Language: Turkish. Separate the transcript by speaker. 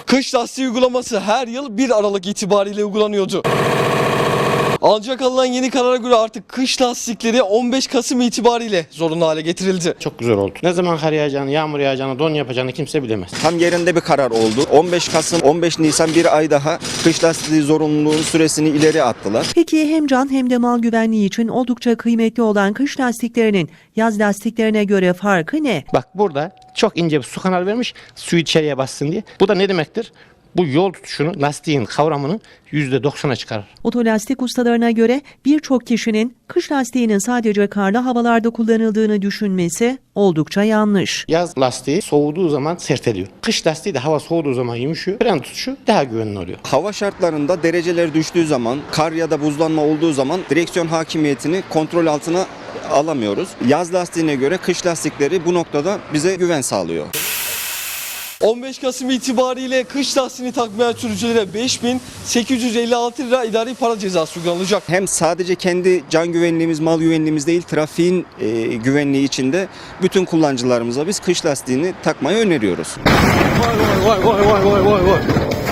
Speaker 1: Kış lastiği uygulaması her yıl 1 Aralık itibariyle uygulanıyordu. Ancak alınan yeni karara göre artık kış lastikleri 15 Kasım itibariyle zorunlu hale getirildi.
Speaker 2: Çok güzel oldu. Ne zaman kar yağacağını, yağmur yağacağını, don yapacağını kimse bilemez.
Speaker 3: Tam yerinde bir karar oldu. 15 Kasım, 15 Nisan bir ay daha kış lastiği zorunluluğun süresini ileri attılar.
Speaker 4: Peki hem can hem de mal güvenliği için oldukça kıymetli olan kış lastiklerinin yaz lastiklerine göre farkı ne?
Speaker 2: Bak burada çok ince bir su kanalı vermiş, suyu içeriye bassın diye. Bu da ne demektir? Bu yol tutuşunu, lastiğin kavramını %90'a çıkarır.
Speaker 4: Otolastik ustalarına göre birçok kişinin kış lastiğinin sadece karlı havalarda kullanıldığını düşünmesi oldukça yanlış.
Speaker 2: Yaz lastiği soğuduğu zaman serteliyor. Kış lastiği de hava soğuduğu zaman yumuşuyor. Fren tutuşu daha güvenli oluyor.
Speaker 3: Hava şartlarında dereceler düştüğü zaman, kar ya da buzlanma olduğu zaman direksiyon hakimiyetini kontrol altına alamıyoruz. Yaz lastiğine göre kış lastikleri bu noktada bize güven sağlıyor.
Speaker 1: 15 Kasım itibariyle kış lastiğini takmayan sürücülere 5.856 lira idari para cezası uygulanacak.
Speaker 3: Hem sadece kendi can güvenliğimiz, mal güvenliğimiz değil, trafiğin güvenliği için de bütün kullanıcılarımıza biz kış lastiğini takmayı öneriyoruz.
Speaker 1: Vay vay vay vay vay vay vay.